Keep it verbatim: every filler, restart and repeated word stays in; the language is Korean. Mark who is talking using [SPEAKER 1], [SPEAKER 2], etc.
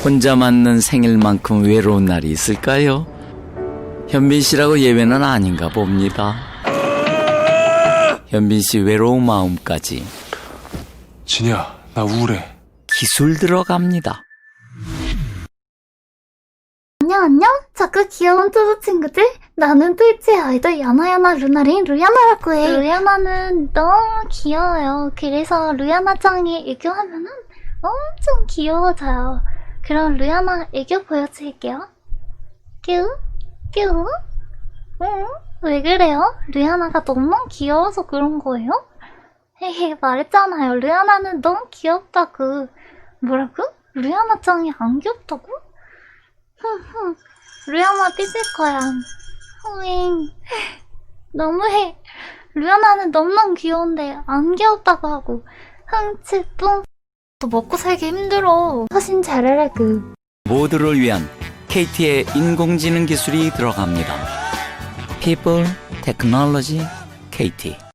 [SPEAKER 1] 혼자 맞는 생일만큼 외로운 날이 있을까요? 현빈 씨라고 예외는 아닌가 봅니다. 현빈 씨 외로운 마음까지
[SPEAKER 2] 진이야, 나 우울해.
[SPEAKER 1] 기술 들어갑니다.
[SPEAKER 3] 안녕 안녕 자꾸 귀여운 뚜두 친구들, 나는 트위치 아이돌 야나야나 루나린 루야나라고 해. 루야나는 너무 귀여워요. 그래서 루야나 짱이 애교하면은 엄청 귀여워져요. 그럼 루야나 애교 보여드릴게요. 뀨? 뀨? 응? 왜 그래요? 루야나가 너무 귀여워서 그런 거예요? 헤헤, 말했잖아요. 루야나는 너무 귀엽다고. 뭐라고? 루야나 짱이 안 귀엽다고? 흥흥, 루야나 삐질 거야. 흥잉, 너무해. 루야나는 너무너무 귀여운데 안 귀엽다고 하고. 흥치뿡. 또 먹고 살기 힘들어. 사신 잘하라고.
[SPEAKER 1] 모두를 위한 케이티의 인공지능 기술이 들어갑니다. People, Technology, 케이티.